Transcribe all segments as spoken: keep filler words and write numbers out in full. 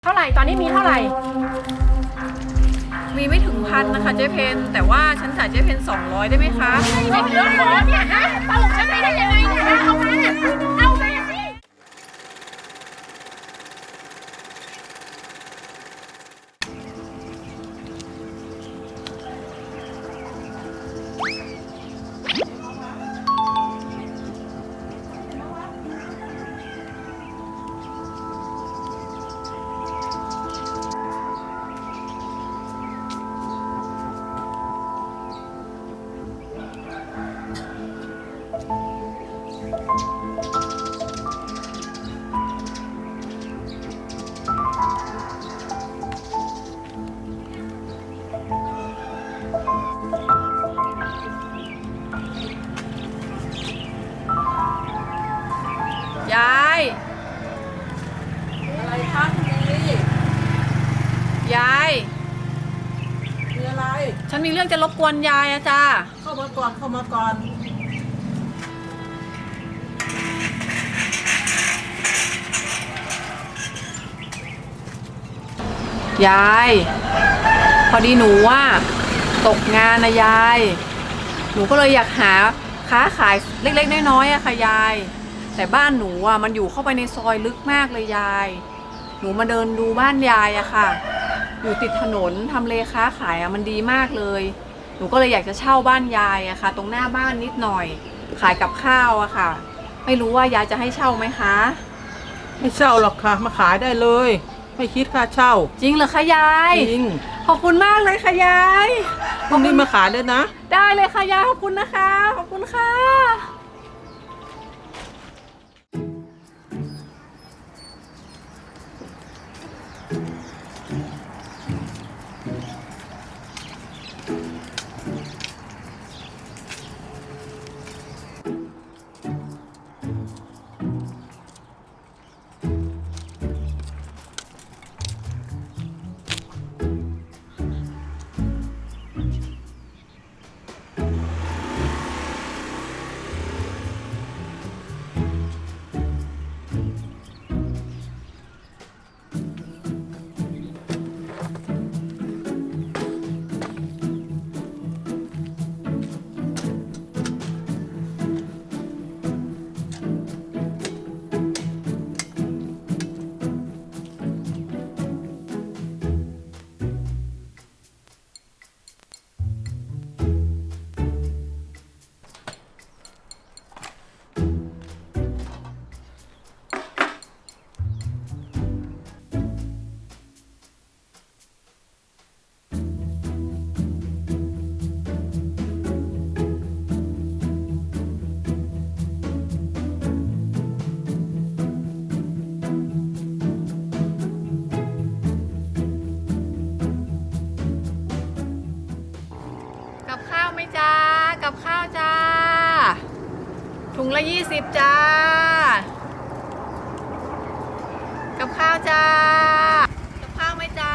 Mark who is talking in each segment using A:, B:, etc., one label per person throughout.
A: เท่าไหร่ตอนนี้มีเท่าไหร่
B: มีไม่ถึงพันนะคะเจ๊เพนแต่ว่าฉันจ่ายเจ๊เพนสองร้อยได้ไหมคะ
A: ไม่เหลือขอเนี่ยฮะตลกฉันไปได้ยังไงเนี่ยฮะเอามาเอามาสิ
B: ยาย
C: อะไรคะคุณลี่
B: ยาย
C: มีอะไร
B: ฉันมีเรื่องจะรบกวนยายอะจ้า
C: เข้ามาก่อนเข้ามาก่อน
B: ยายพอดีหนูว่าตกงานนะยายหนูก็เลยอยากหาค้าขายเล็กๆน้อยๆอะค่ะยายแต่บ้านหนูอะมันอยู่เข้าไปในซอยลึกมากเลยยายหนูมาเดินดูบ้านยายอะค่ะอยู่ติดถนนทำเลค้าขายอะมันดีมากเลยหนูก็เลยอยากจะเช่าบ้านยายอะค่ะตรงหน้าบ้านนิดหน่อยขายกับข้าวอะค่ะไม่รู้ว่ายายจะให้เช่าไหมคะ
C: ไม่เช่าหรอกค่ะมาขายได้เลยไม่คิดค่าเช่า
B: จริงเหรอคะยาย
C: จริง
B: ขอบคุณมากเลยค่ะยาย
C: พรุ่งนี้มาขายเลยนะ
B: ได้เลยค่ะยายขอบคุณนะคะขอบคุณค่ะกับข้าวไหมจ้ากับข้าวจ้าถุงละยี่สิบจ้ากับข้าวจ้ากับข้าวไหมจ้า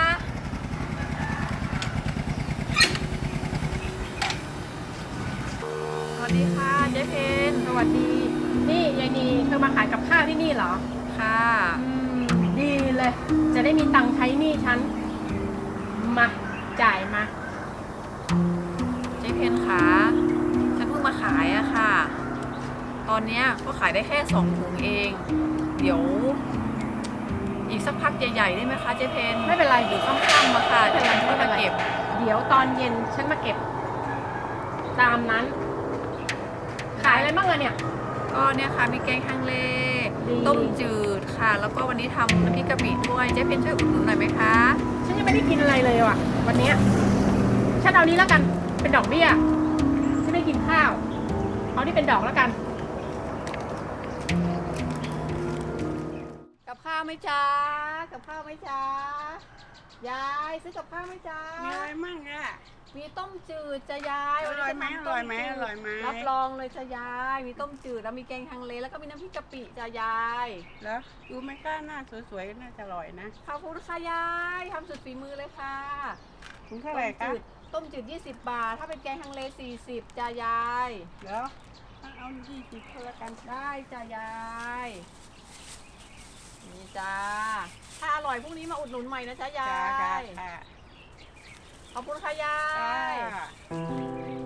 B: สวัสดีค่ะเจ๊เพน
A: สวัสดีนี่ยายนีเธอมาขายกับข้าวที่นี่เหรอ
B: ค่ะ
A: อืมดีเลยจะได้มีตังค์ใช้หนี้ฉันมาจ่ายมา
B: เจ๊เพนคะฉันเพิ่งมาขายอะค่ะตอนเนี้ยก็ขายได้แค่สองถุงเองเดี๋ยวอีกสักพักใหญ่ๆได้ไหมคะเจ๊เพน
A: ไม่เป็นไร
B: หรือค่ำๆมาค่ะจะฉันไม่มาเก็บ
A: เดี๋ยวตอนเย็นฉันมาเก็บตามนั้นขายอะไรบ้างอะเนี่ย
B: ก็เนี่ยค่ะมีแกงฮังเล
A: ดี
B: ต้มจืดค่ะแล้วก็วันนี้ทำน้ำพริกกะปิด้วยเจ๊เพนช่วยอุดหนุนหน่อยไหมคะ
A: ฉันยังไม่ได้กินอะไรเลยว่ะวันเนี้ยฉันเอานี้แล้วกันเป็นดอกเบี้ยฉันไม่กินข้าวเอาที่เป็นดอกแล้วกัน
B: กับข้าวไหมจ๊ะกับข้าวไหมจ๊ะยายซื้อกับข้าวไหมจ๊ะ
C: มีอะไรมั่งอ่ะ
B: มีต้มจืดจะยาย
C: อร่อยไหมอร่อยไหมอร่อยไหม
B: รับรองเลยจะยายมีต้มจืดแล้วมีแกงฮังเลแล้วก็มีน้ำพริกกะปิจะยาย
C: แล้วดูไม่กล้าหน้าสวยๆน่าจะอร่อยนะ
B: ขอบคุณค่ะยายทำสุดฝีมือเลยค่ะ
C: ถุงเท่าไหร่คะ
B: ต้มจืดยี่สิบบาทถ้าเป็นแกงฮังเลสี่สิบจ้ายาย
C: แล้วเอายี่สิบก็แล้วกัน
B: ได้จ้ายายนี่จ้าถ้าอร่อยพรุ่งนี้มาอุดหนุนใหม่นะจ๊ะยา
C: จ้าย จ้า
B: ขอบคุณค่ะยาย
C: จ้า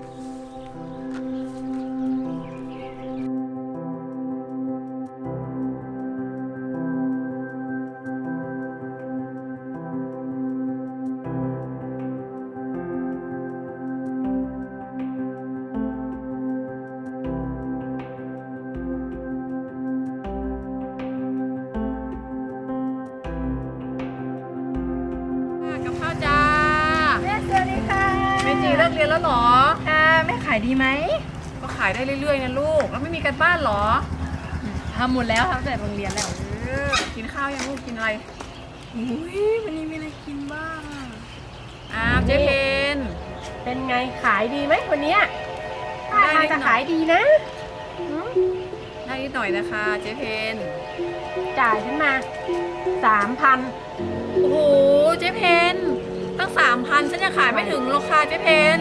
B: กับข้าวจ้า
A: แม่สวัสดีค่ะ
B: เมจีเลิกเรียนแล้วเหรอ
A: ค่ะแม่ขายดีไหม
B: ก็ขายได้เรื่อยๆนะลูกแล้วไม่มีการบ้านเหรอ
A: ทำหมดแล้วทำแต่โรงเรียนแล้ว
B: เออกินข้าวยังลูกกินอะไร
A: อุ้ยวันนี้มีอะไรกินบ้างอะ
B: อ้าวเจ๊เพน
A: เป็นไงขายดีไหมวันเนี้ยท่าทางจะขายดีนะหืม
B: ได้นิดหน่อยนะคะเจ๊เพน
A: จ่ายฉันมาสามพัน
B: โอ้โหเจ๊เพนตั้งสามพันฉันยังขายไม่ถึงราคาเจ๊เพน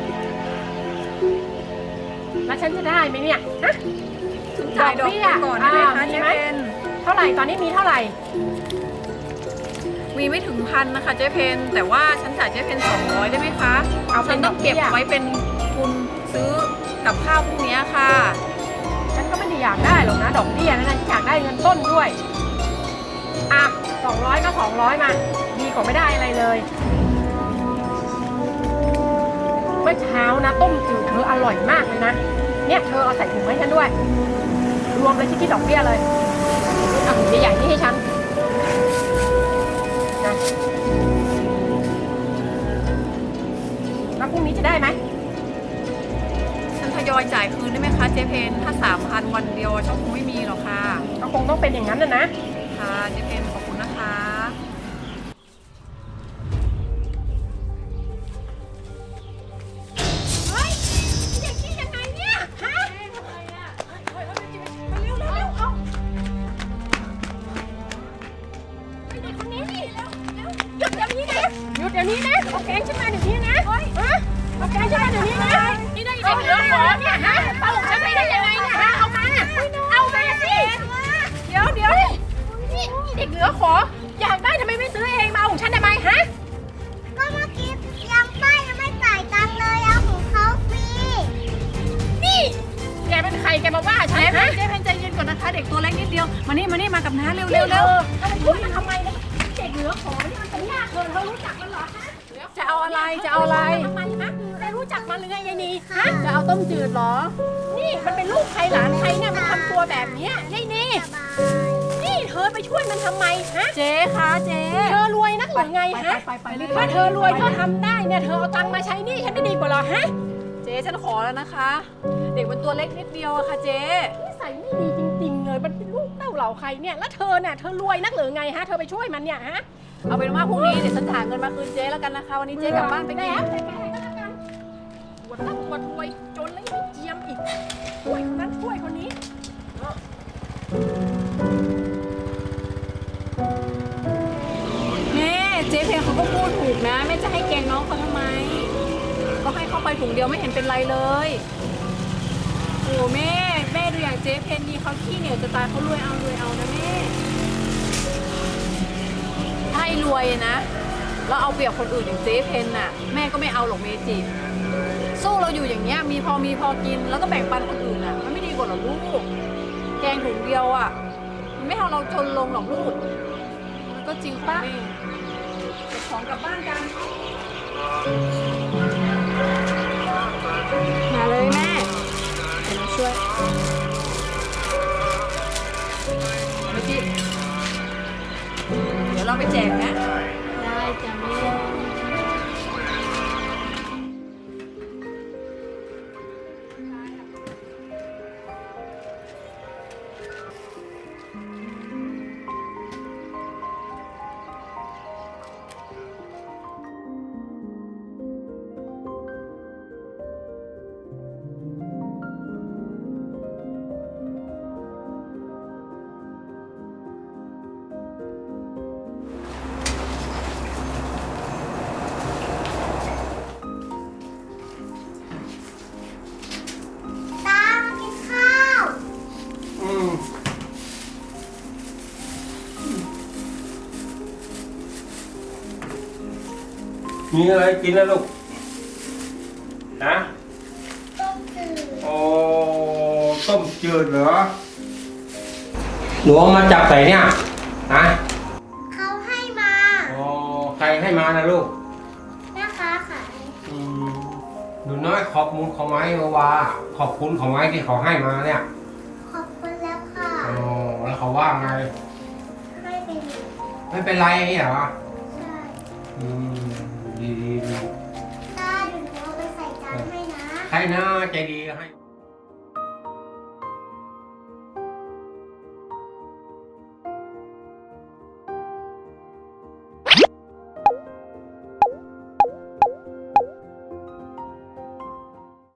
A: แล้วฉันจะได้ไหมเนี่ยฮะ
B: ฉันจ่ายดอกไปก่อนได้ไหม
A: อ่า
B: คะ
A: มี
B: เจ๊
A: ไหม
B: เพน
A: เท่าไหร่ตอนนี้มีเท่าไหร่
B: มีไม่ถึงพันนะคะเจ๊เพนแต่ว่าฉันจ่ายเจ๊เพนสองร้อยได้ไหมคะ
A: เอา
B: ฉั
A: เป็น น
B: ต้องเก็บ
A: ดอกเบี้ย
B: ไว้เป็นทุนซื้อกับข้าวพรุ่งนี้ค่ะ
A: ฉันก็ไม่ได้อยากได้หรอกนะดอกเบี้ยนะฉันอยากได้เงินต้นด้วยอ่ะสองร้อยก็สองร้อยมาดีกว่าไม่ได้อะไรเลยเมื่อเช้านะต้มจืดเธออร่อยมากเลยนะเนี่ยเธอเอาใส่ถุงให้ฉันด้วย รวมเลยที่คิดดอกเบี้ยเลยอ่ะถุงใหญ่ๆนี่ให้ฉันนะแล้วพรุ่งนี้จะได้ไหม
B: ฉันทยอยจ่ายคืนได้ไหมคะเจ๊เพนถ้าสามพันวันเดียวช่องคงไม่มีหรอกค่ะ
A: ก็คงต้องเป็นอย่างนั้นนะนะ
B: ค่ะเจ๊เพนขอบคุณนะคะ
A: เฮ้ยเด็กนี่ยังไงเนี่ย ฮะเร็วเร็วเร็วเอาไอเด็กคนนี้นี่เร็วเร็วหยุดเดี๋ยวนี้นะ หยุดเดี๋ยวนี้นะเอาแกงฉันมาเดี๋ยวนี้นะเฮ้ยฮะเอาแกงฉันมาเดี๋ยวนี้นะนี่ได้เด็กเหลือขอเนี่ยฮะตลกฉันไปได้ยังไงเนี่ยฮะ เอามา เอามาสิ เดี๋ยวเดี๋ยวนี่เด็กเหลือขอ อยากได้ทำไมไม่ซื้อเองมาเอาของฉันทำไมฮะ
D: ก็เมื่อกี้ยังป้ายังไม่จ่ายตังค์เลยเอาของเขาฟรี
A: นี่แกเป็นใครแกมาว่าฉัน
B: เจ๊เพ
A: ฮะ
B: นเจ๊เพนใจเย็นก่อนนะคะ เด็กตัวเล็กนิดเดียวมานี่มานี่มากับน้าเร็ว
A: เร็
B: เร็
A: ว
B: ว
A: เร็
B: เร็
A: ว
B: ว
A: ทำไมพูดมันทำไมเนี่ยเด็กเหลือขอนี่มันเป็นยากเกินเธอรู้จักมันเหรอฮะ
B: จะเอาอะไรจะเอาอะไร
A: ทำไมฮะได้รู้จักมันหรือไงยายนีฮะ
B: จะเอาต้มจืดเหรอ
A: นี่มันเป็นลูกใครหลานใครเนี่ยมันทำตัวแบบเนี้ยยายนี
D: สบาย
A: นี่เธอไปช่วยมันทำไมฮะ
B: เจ๊คะเจ๊
A: เธอรวยนักหรือไงฮะ
B: ไปไปไปไป
A: ถ้าเธอรวยเธอทำได้เนี่ยเธอเอาตังค์มาใช้หนี่ฉันไม่ดีกว่าเหรอฮะ
B: เจ๊ฉันขอแล้วนะคะ เด็กมันตัวเล็กนิดเดียวอะค่ะเจ๊
A: นิสัยไม่ดีจริงๆเลยมันเป็นลูกเต้าเหล่าใครเนี่ยแล้วเธอเนี่ยเธอรวยนักหรือไงฮะเธอไปช่วยมันเนี่ยฮะ
B: เอาเป็นว่าพรุ่งนี้เดี๋ยวฉันหาเงินมาคืนเจ๊แล้วกันนะคะ วันนี้เจ๊กลับบ้านไปกิน
A: แล้วแต่แกก็แล้วกันปวดตั้งปวดรวยจนแล้วยังไม่เจียมอีกช่วยคนนั้นช่วยคนนี้
B: แม่เจ๊เพนเขาก็พูดถูกนะแม่จะให้แกงน้องเขาทำไม ก็ให้เข้าไปถุงเดียวไม่เห็นเป็นไรเลยโอ้แม่แม่ดูอย่างเจ๊เพนดีเขาขี้เหนียวจะตายเขารวยเอารวยเอานะแม่ถ้าให้รวยนะแล้วเอาเปรียบคนอื่นอย่างเจ๊เพนน่ะแม่ก็ไม่เอาหรอกเมจิสู้เราอยู่อย่างเงี้ยมีพอมีพอกินแล้วก็แบ่งปันคนอื่นอ่ะมันไม่ดีกว่าหรอลูกแกงถุงเดียวอ่ะมันไม่ทำเราจนลงหรอกลูกมันก็จริงของแม่เก็บของกลับบ้านกันมาเลยแม่เดี๋ยวมาช่วยเมจิเดี๋ยวเราไปแจกนะ
A: ได้จ้ะแม่
E: มีอะไรกินนะลูกนะ
D: ต้มจืด
E: โอ้ต้มจืดเหรอหนูเอามาจากไหนเนี่ยนะ
D: เขาให้มา
E: โอ้ใครให้มานะลูก
D: แม่ค้าขาย
E: อืมหนูน้อยขอบคุณเขาไหมว่าขอบคุณเขาไหมที่เขาให้มาเนี่ย
D: ขอบคุณแล้วค่ะ
E: โอ้แล้วเขาว่าไง
D: ให้เป็น
E: ไม่เป็นไรเหรอ
D: ใช่
E: อืมดีดีดี
D: ตาเดี๋ยวหนูเอาไปใส่จานให้นะ
E: ใครนะใจดีให้